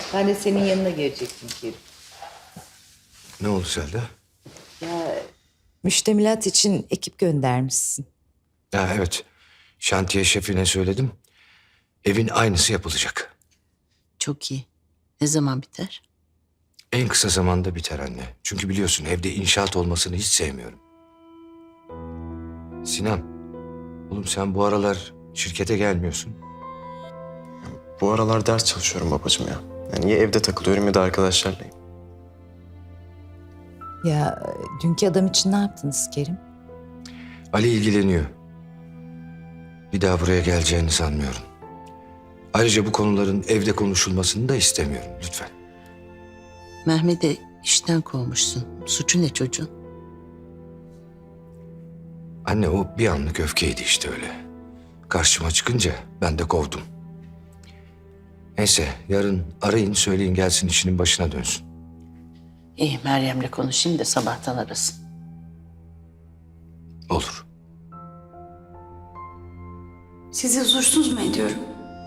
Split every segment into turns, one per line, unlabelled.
Ben de senin yanına gelecektim Kerim.
Ne oldu Selda?
Müştemilat için ekip göndermişsin.
Ha, evet. Şantiye şefine söyledim. Evin aynısı yapılacak.
Çok iyi. Ne zaman biter?
En kısa zamanda biter anne. Çünkü biliyorsun evde inşaat olmasını hiç sevmiyorum. Sinan, oğlum sen bu aralar şirkete gelmiyorsun.
Bu aralar ders çalışıyorum babacığım ya. Yani ya evde takılıyorum ya da arkadaşlarlayım.
Ya dünkü adam için ne yaptınız Kerim?
Ali ilgileniyor. Bir daha buraya geleceğini sanmıyorum. Ayrıca bu konuların evde konuşulmasını da istemiyorum lütfen.
Mehmet'i işten kovmuşsun. Suçu ne çocuğun?
Anne o bir anlık öfkeydi işte öyle. Karşıma çıkınca ben de kovdum. Neyse yarın arayın söyleyin gelsin işinin başına dönsün.
İyi, Meryem'le konuşayım da sabahtan arasın.
Olur.
Sizi huzursuz mu ediyorum?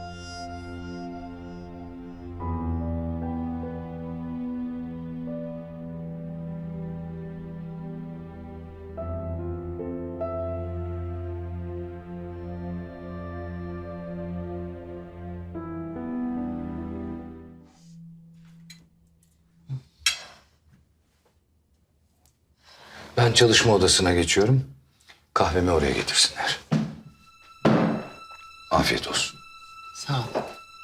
Ben çalışma odasına geçiyorum. Kahvemi oraya getirsinler. Afiyet olsun.
Sağ ol.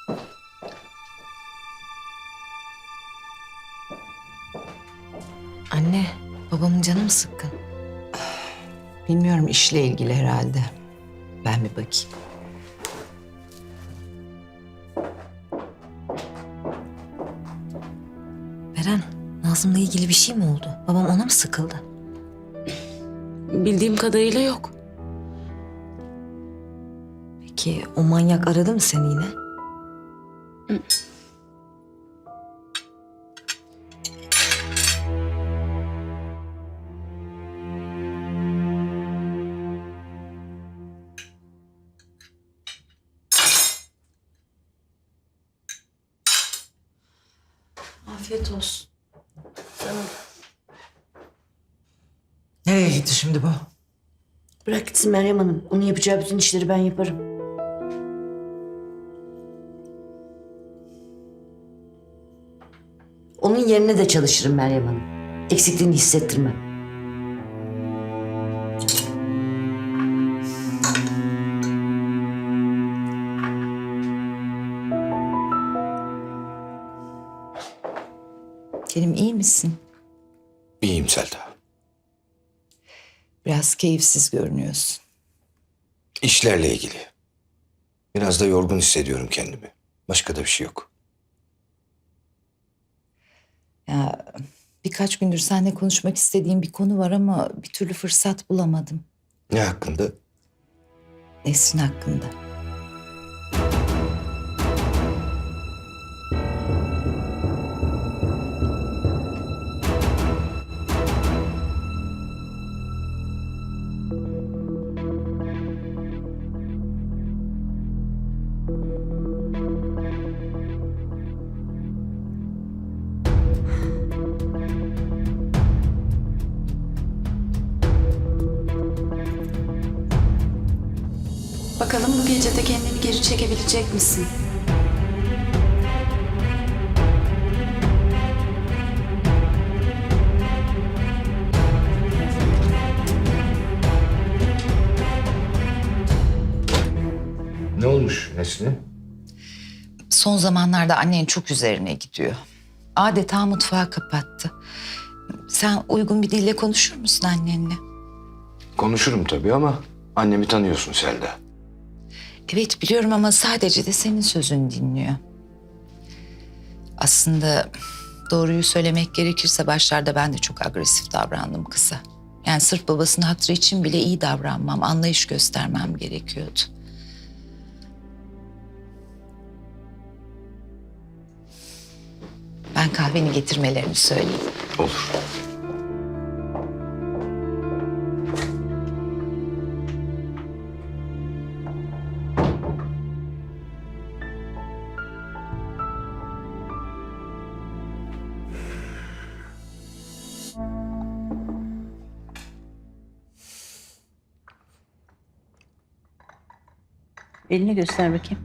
Anne, babamın canı mı sıkkın?
Bilmiyorum işle ilgili herhalde. Ben bir bakayım.
Beren, Nazım'la ilgili bir şey mi oldu? Babam ona mı sıkıldı?
Bildiğim kadarıyla yok.
Peki o manyak aradı mı seni yine?
Afiyet olsun.
Nereye gitti şimdi bu?
Bırak gitsin Meryem Hanım. Onun yapacağı bütün işleri ben yaparım. Onun yerine de çalışırım Meryem Hanım. Eksikliğini hissettirmem.
Kerim iyi misin?
İyiyim Selda.
Biraz keyifsiz görünüyorsun.
İşlerle ilgili. Biraz da yorgun hissediyorum kendimi. Başka da bir şey yok.
Ya birkaç gündür seninle konuşmak istediğim bir konu var ama bir türlü fırsat bulamadım.
Ne hakkında?
Nesrin hakkında.
Bakalım bu gece de kendini geri çekebilecek misin?
Ne olmuş Nesrin'e?
Son zamanlarda annen çok üzerine gidiyor. Adeta mutfağı kapattı. Sen uygun bir dille konuşur musun annenle?
Konuşurum tabii ama annemi tanıyorsun Selda.
Evet biliyorum ama sadece de senin sözünü dinliyor. Aslında doğruyu söylemek gerekirse başlarda ben de çok agresif davrandım kıza. Yani sırf babasının hatırı için bile iyi davranmam, anlayış göstermem gerekiyordu. Ben kahveni getirmelerini söyleyeyim.
Olur.
Elini göster bakayım.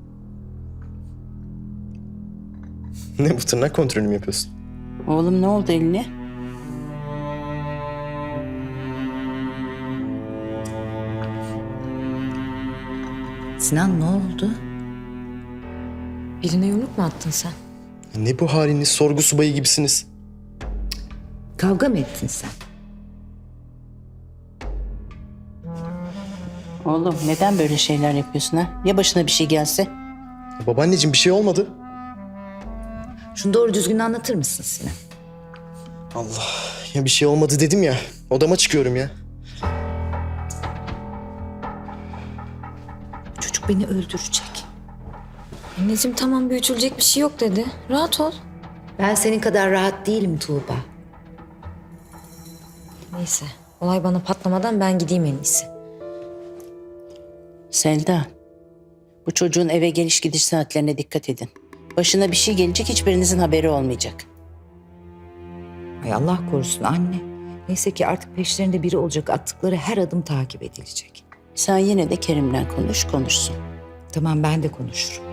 Ne bu, tırnak kontrolü mü yapıyorsun?
Oğlum ne oldu eline?
Sinan ne oldu?
Birine yumruk mu attın sen?
Ne bu haliniz, sorgu subayı gibisiniz.
Kavga mı ettin sen?
Oğlum neden böyle şeyler yapıyorsun ha? Ya başına bir şey gelse?
Babaanneciğim bir şey olmadı.
Şunu doğru düzgün anlatır mısın Sinan?
Allah, ya bir şey olmadı dedim ya. Odama çıkıyorum ya.
Çocuk beni öldürecek.
Anneciğim tamam, büyütülecek bir şey yok dedi. Rahat ol.
Ben senin kadar rahat değilim Tuğba.
Neyse, olay bana patlamadan ben gideyim en iyisi.
Selda, bu çocuğun eve geliş gidiş saatlerine dikkat edin. Başına bir şey gelecek, hiçbirinizin haberi olmayacak.
Ay Allah korusun anne. Neyse ki artık peşlerinde biri olacak. Attıkları her adım takip edilecek.
Sen yine de Kerim'le konuşsun.
Tamam ben de konuşurum.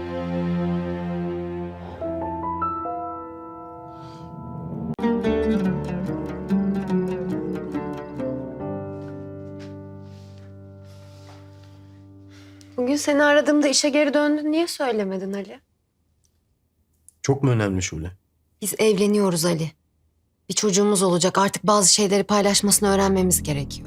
Bugün seni aradığımda işe geri döndün. Niye söylemedin Ali?
Çok mu önemli Şule?
Biz evleniyoruz Ali. Bir çocuğumuz olacak. Artık bazı şeyleri paylaşmasını öğrenmemiz gerekiyor.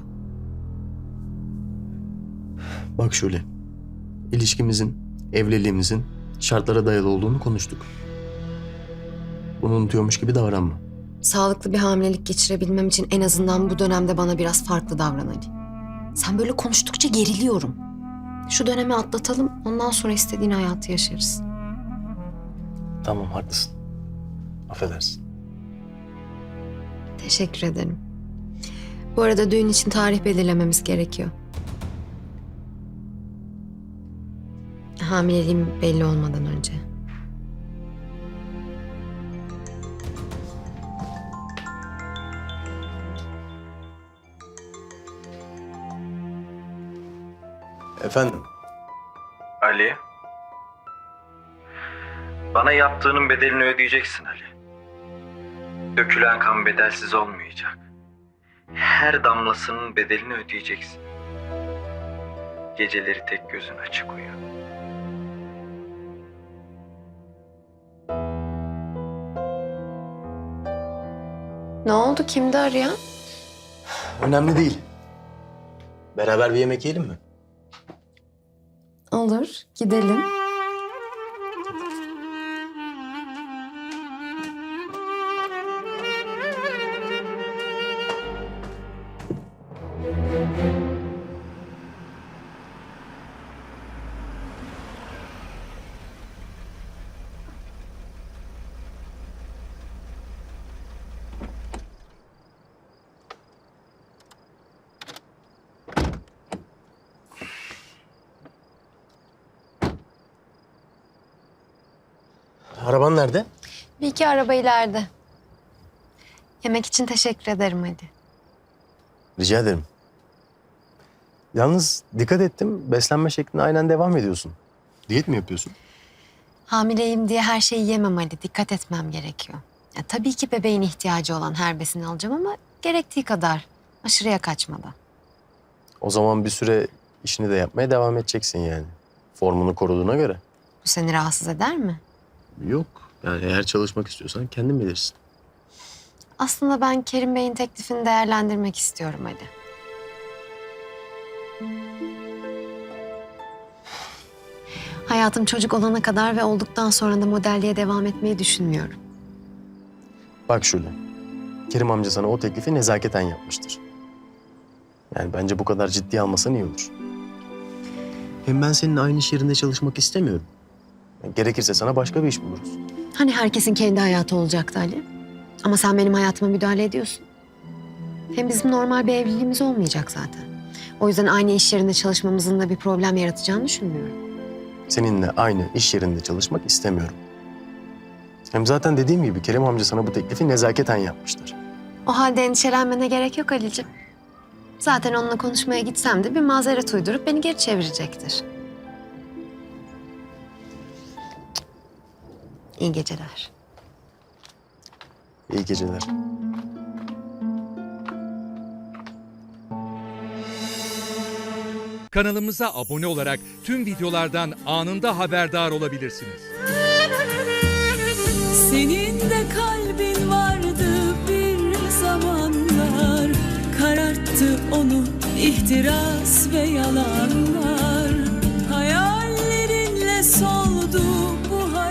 Bak Şule, ilişkimizin, evliliğimizin şartlara dayalı olduğunu konuştuk. Bunu unutuyormuş gibi davranma.
Sağlıklı bir hamilelik geçirebilmem için en azından bu dönemde bana biraz farklı davran Ali. Sen böyle konuştukça geriliyorum. Şu dönemi atlatalım. Ondan sonra istediğin hayatı yaşarız.
Tamam, haklısın. Affedersin.
Teşekkür ederim. Bu arada düğün için tarih belirlememiz gerekiyor. Hamileliğim belli olmadan önce.
Efendim?
Ali. Bana yaptığının bedelini ödeyeceksin Ali. Dökülen kan bedelsiz olmayacak. Her damlasının bedelini ödeyeceksin. Geceleri tek gözün açık uyu.
Ne oldu? Kimdi arayan?
Önemli değil. Beraber bir yemek yiyelim mi?
Olur, gidelim.
Araban nerede?
Bir iki araba ileride. Yemek için teşekkür ederim hadi.
Rica ederim. Yalnız dikkat ettim, beslenme şekline aynen devam ediyorsun. Diyet mi yapıyorsun?
Hamileyim diye her şeyi yemem Ali. Dikkat etmem gerekiyor. Ya, tabii ki bebeğin ihtiyacı olan her besini alacağım ama gerektiği kadar. Aşırıya kaçmadan.
O zaman bir süre işini de yapmaya devam edeceksin yani. Formunu koruduğuna göre.
Bu seni rahatsız eder mi?
Yok. Yani eğer çalışmak istiyorsan kendin bilirsin.
Aslında ben Kerim Bey'in teklifini değerlendirmek istiyorum Ali. Hayatım çocuk olana kadar ve olduktan sonra da modelliğe devam etmeyi düşünmüyorum.
Bak Şule, Kerim amca sana o teklifi nezaketen yapmıştır. Yani bence bu kadar ciddiye almasan iyi olur. Hem ben seninle aynı iş yerinde çalışmak istemiyorum. Yani gerekirse sana başka bir iş buluruz.
Hani herkesin kendi hayatı olacaktı Ali? Ama sen benim hayatıma müdahale ediyorsun. Hem bizim normal bir evliliğimiz olmayacak zaten. O yüzden aynı iş yerinde çalışmamızın da bir problem yaratacağını düşünmüyorum.
Seninle aynı iş yerinde çalışmak istemiyorum. Hem zaten dediğim gibi Kerim amca sana bu teklifi nezaketen yapmıştır.
O halde endişelenmene gerek yok Ali'ciğim. Zaten onunla konuşmaya gitsem de bir mazeret uydurup beni geri çevirecektir. İyi geceler.
İyi geceler.
Kanalımıza abone olarak tüm videolardan anında haberdar olabilirsiniz.
Senin de kalbin vardı bir zamanlar, kararttı onu ihtiras ve yalanlar. Hayallerinle soldu